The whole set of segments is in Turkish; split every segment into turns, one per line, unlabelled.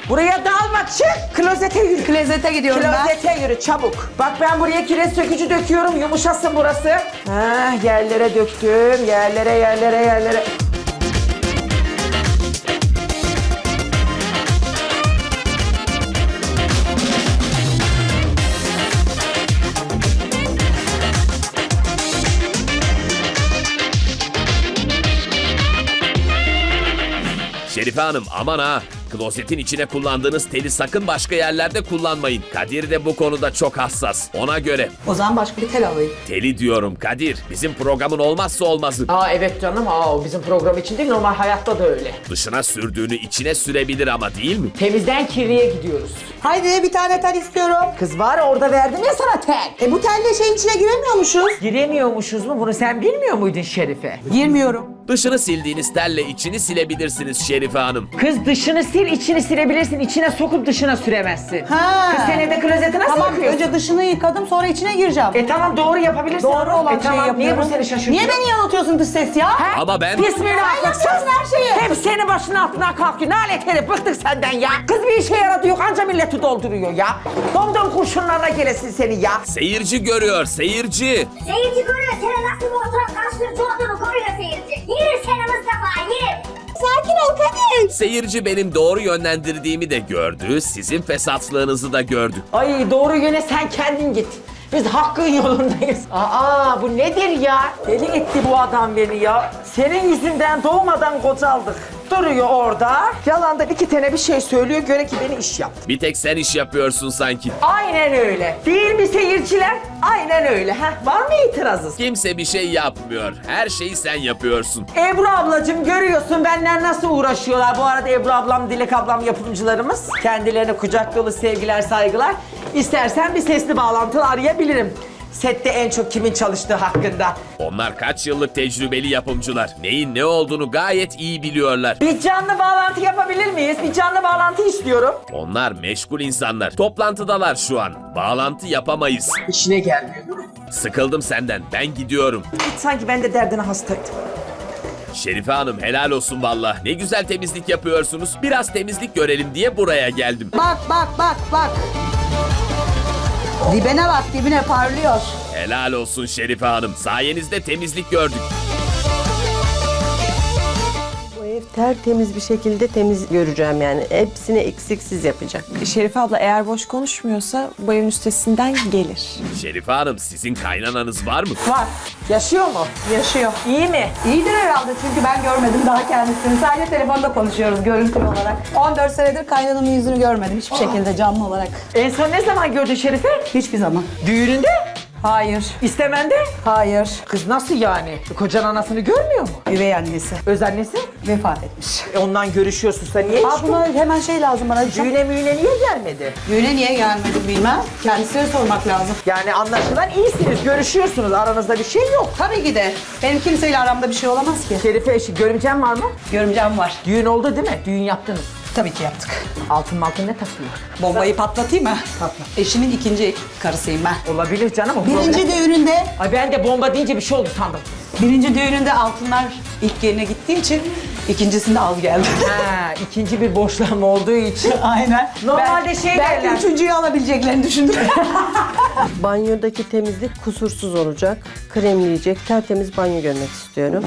Buraya dalma, çık. Klozete yürü.
Klozete gidiyorum ben.
Klozete yürü çabuk. Bak ben buraya kireç sökücü döküyorum. Yumuşasın burası. Ha, yerlere döktüm. Yerlere.
Şerife Hanım aman ha. Klozetin içine kullandığınız teli sakın başka yerlerde kullanmayın. Kadir de bu konuda çok hassas. Ona göre.
O zaman başka bir tel alayım.
Teli diyorum Kadir. Bizim programın olmazsa olmazı.
Aa evet canım. O bizim program için değil, normal hayatta da öyle.
Dışına sürdüğünü içine sürebilir ama değil mi?
Temizden kirliye gidiyoruz.
Haydi bir tane tel istiyorum.
Kız var orada verdim ya sana tel.
Bu telle şeyin içine giremiyormuşuz.
Giremiyormuşuz mu? Bunu sen bilmiyor muydun Şerife?
Girmiyorum.
Dışını sildiğiniz telle içini silebilirsiniz Şerife Hanım.
Kız dışını sil, içini silebilirsin. İçine sokup dışına süremezsin.
Ha.
Kız sen evde klozeti nasıl
Tamam
yıkıyorsun?
önce dışını yıkadım sonra içine gireceğim.
Tamam doğru yapabilirsin.
Doğru olan şeyi
tamam,
yapıyorum.
Niye bu seni şaşırtıyor?
Niye beni yanıltıyorsun dış ses ya?
Ha?
Ama ben...
Bismillah.
Sen yapıyorsun her şeyi.
Hep senin başının altından kalkıyor. Nalet herif, bıktık senden ya. Kız bir işe yaradı yok, anca milleti dolduruyor ya. Domdom kurşunlarına gelesin seni ya.
Seyirci görüyor, seyirci.
Seyirci görüyor seni nasıl bu oturak karşılıklı olduğunu koruyor seyirci. Yürü seni Mustafa yürü.
Sakin ol Kadir.
Seyirci benim doğru yönlendirdiğimi de gördü, sizin fesatlığınızı da gördü.
Ay doğru yöne sen kendin git. Biz hakkın yolundayız. Aa bu nedir ya? Deli etti bu adam beni ya. Senin yüzünden doğmadan kocaldık. Duruyor orada. Yalandan iki tane bir şey söylüyor. Göre ki beni iş yaptı.
Bir tek sen iş yapıyorsun sanki.
Aynen öyle. Değil mi seyirciler? Aynen öyle. Var mı itirazınız?
Kimse bir şey yapmıyor. Her şeyi sen yapıyorsun.
Ebru ablacığım görüyorsun benden nasıl uğraşıyorlar. Bu arada Ebru ablam, Dilek ablam yapımcılarımız. Kendilerine kucak dolu sevgiler, saygılar. İstersen bir sesli bağlantı arayabilirim. Sette en çok kimin çalıştığı hakkında.
Onlar kaç yıllık tecrübeli yapımcılar. Neyin ne olduğunu gayet iyi biliyorlar.
Bir canlı bağlantı yapabilir miyiz? Bir canlı bağlantı istiyorum.
Onlar meşgul insanlar. Toplantıdalar şu an. Bağlantı yapamayız.
İşine gelmiyor.
Sıkıldım senden. Ben gidiyorum.
Sanki ben de derdine hastaydım.
Şerife Hanım helal olsun valla. Ne güzel temizlik yapıyorsunuz. Biraz temizlik görelim diye buraya geldim.
Bak. Dibine bak dibine parlıyor.
Helal olsun Şerife Hanım. Sayenizde temizlik gördük.
Bu ev tertemiz bir şekilde temiz göreceğim yani. Hepsini eksiksiz yapacak.
Şerife abla eğer boş konuşmuyorsa bu evin üstesinden gelir.
Şerife Hanım sizin kaynananız var mı?
Var. Yaşıyor mu?
Yaşıyor.
İyi mi?
İyidir herhalde çünkü ben görmedim daha kendisini. Sadece telefonda konuşuyoruz görüntülü olarak. 14 senedir kaynanamın yüzünü görmedim hiçbir şekilde canlı olarak.
En son ne zaman gördün Şerife?
Hiçbir zaman.
Düğününde?
Hayır.
İstemende?
Hayır.
Kız nasıl yani? Kocan anasını görmüyor mu?
Üvey annesi
Öz annesi?
vefat etmiş.
Ondan görüşüyorsun sen. Niye hiç
Buna hemen şey lazım bana.
düğüne müğüne niye gelmedi?
Düğüne niye gelmedim bilmem. Kendisine sormak lazım.
Yani anlaşılan iyisiniz, görüşüyorsunuz. Aranızda bir şey yok.
Tabii ki de. Benim kimseyle aramda bir şey olamaz ki.
Şerife eşi, görümcen var mı?
Görümcem var.
Düğün oldu değil mi? Düğün yaptınız.
Tabii ki yaptık.
Altın ne takıyor?
Bombayı patlatayım mı?
Patla.
Eşimin ikinci karısıyım ben.
Olabilir canım o
Birinci
problem.
düğününde,
Ay ben de bomba deyince bir şey oldu sandım.
birinci düğününde altınlar ilk yerine gittiği için ikincisinde az geldi.
Ha, ikinci bir boşlama olduğu için.
Aynen.
Normalde şey
belki
derler.
üçüncüyü alabileceklerini düşündüm.
Banyodaki temizlik kusursuz olacak. Kremleyecek, tertemiz banyo görmek istiyorum.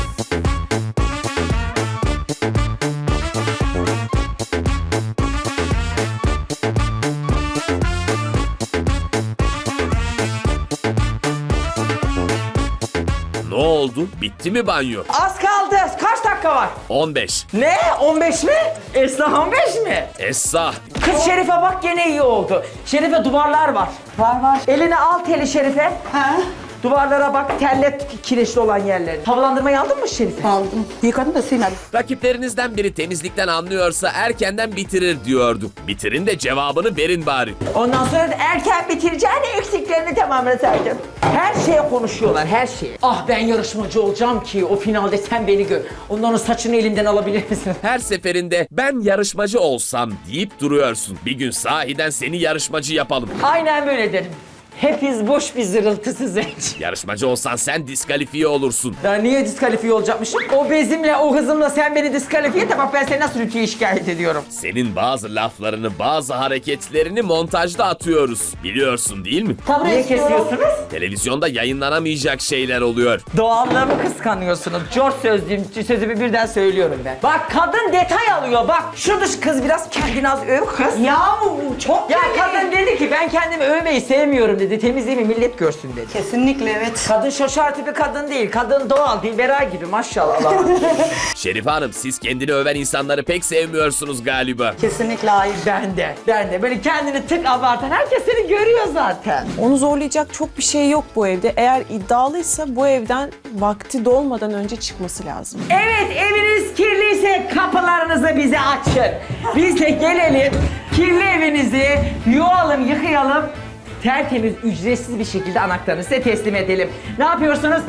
Ne oldu? Bitti mi banyo?
Az kaldı. Kaç dakika var?
15.
Ne? 15 mi? Esra 15 mi?
Esra.
Kız Şerife bak gene iyi oldu. Şerife duvarlar var.
var.
Eline al teli Şerife.
Ha?
Duvarlara bak, terlet kireçli olan yerleri. Havalandırmayı aldın mı Şerife?
Aldım. Yıkadım da silmedim.
Rakiplerinizden biri temizlikten anlıyorsa erkenden bitirir diyordu. Bitirin de cevabını verin bari.
Ondan sonra da erken bitireceğini eksiklerini tamamlasaydın. Her şeye konuşuyorlar, her şeye. Ah ben yarışmacı olacağım ki o finalde sen beni gör. Ondan o saçını elimden alabilir misin?
Her seferinde ben yarışmacı olsam deyip duruyorsun. Bir gün sahiden seni yarışmacı yapalım.
Aynen böyle derim. Hepiniz boş bir zırıltısız hiç.
Yarışmacı olsan sen diskalifiye olursun.
Ben niye diskalifiye olacakmışım? O bezimle, o hızımla sen beni diskalifiye et de bak ben seni nasıl rütüye şikayet ediyorum.
Senin bazı laflarını, bazı hareketlerini montajda atıyoruz. Biliyorsun değil mi?
Niye kesiyorsunuz?
Televizyonda yayınlanamayacak şeyler oluyor.
Doğallığımı kıskanıyorsunuz. George sözümü birden söylüyorum ben. Bak kadın detay alıyor bak. Şu dış kız biraz kendini az öv kız.
Ya çok
Ya kadın dedi ki ben kendimi övmeyi sevmiyorum dedi. Temizliğimi millet görsün dedi.
Kesinlikle evet.
Kadın şoşar tipi kadın değil. Kadın doğal, Dilbera gibi maşallah. Allah.
Şerife Hanım, siz kendini öven insanları pek sevmiyorsunuz galiba.
Kesinlikle hayır.
Ben de. Böyle kendini tık abartan herkes seni görüyor zaten.
Onu zorlayacak çok bir şey yok bu evde. Eğer iddialıysa bu evden vakti dolmadan önce çıkması lazım.
Evet, eviniz kirliyse kapılarınızı bize açın. Biz de gelelim, kirli evinizi yuvalım, yıkayalım. Tertemiz, ücretsiz bir şekilde anahtarını size teslim edelim. Ne yapıyorsunuz?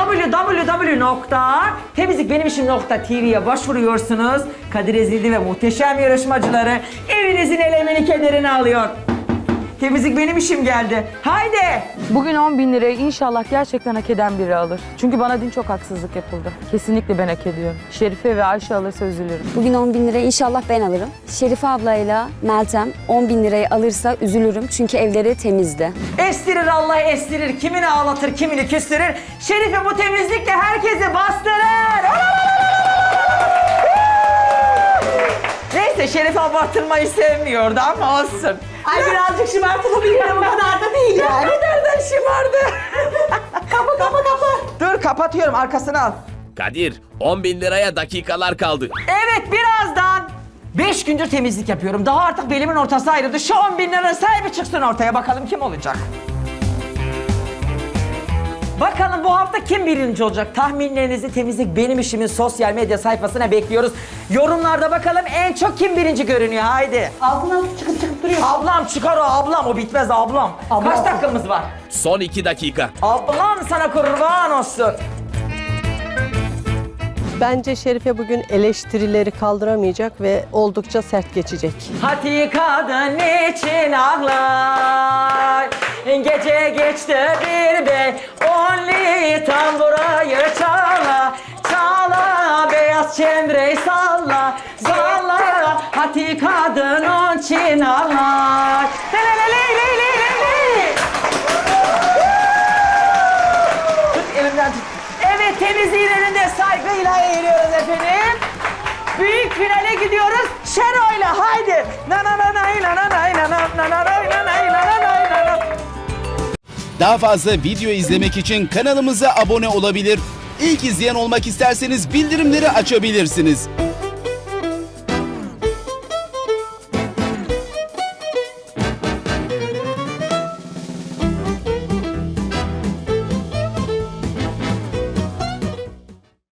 www.temizlikbenimishim.tv'ye başvuruyorsunuz. Kadir Ezildi ve muhteşem yarışmacıları evinizin elemini kederini alıyor. Temizlik benim işim geldi. Haydi!
Bugün 10.000 lirayı inşallah gerçekten hak eden biri alır. Çünkü bana dün çok haksızlık yapıldı. Kesinlikle ben hak ediyorum. Şerife ve Ayşe alırsa üzülürüm.
Bugün 10.000 lirayı inşallah ben alırım. Şerife ablayla Meltem 10.000 lirayı alırsa üzülürüm çünkü evleri temizdi.
Estirir Allah estirir. Kimini ağlatır, kimini küstürür. Şerife bu temizlikle herkesi bastırır. Neyse Şerife abartılmayı sevmiyordu ama olsun.
Ay birazcık şımartılabilir ama o kadar da değil yani.
Nereden şımardı? Kapa. Dur kapatıyorum arkasını al.
Kadir, 10.000 liraya dakikalar kaldı.
Evet birazdan 5 gündür temizlik yapıyorum. Daha artık belimin ortası ayrıldı. Şu 10.000 liranın sahibi çıksın ortaya bakalım kim olacak. Bakalım bu hafta kim birinci olacak? Tahminlerinizi Temizlik Benim İşim'in sosyal medya sayfasına bekliyoruz. Yorumlarda bakalım en çok kim birinci görünüyor haydi.
Altından çıkıp duruyor.
Ablam çıkar o bitmez ablam. Kaç dakikamız var?
Son 2 dakika.
Ablam sana kurban olsun.
Bence Şerife bugün eleştirileri kaldıramayacak ve oldukça sert geçecek.
Hati kadın için ağlar. Gece geçti bir bey, only tamburayı çala. Çala, beyaz çemreyi salla. Salla, hati kadın onun için ağlar. Tut elimden tut. Evet, temizliğin önünde saygıyla eğiliyoruz efendim. Büyük finale gidiyoruz. Şero'yla haydi.
Daha fazla video izlemek için kanalımıza abone olabilir. İlk izleyen olmak isterseniz bildirimleri açabilirsiniz.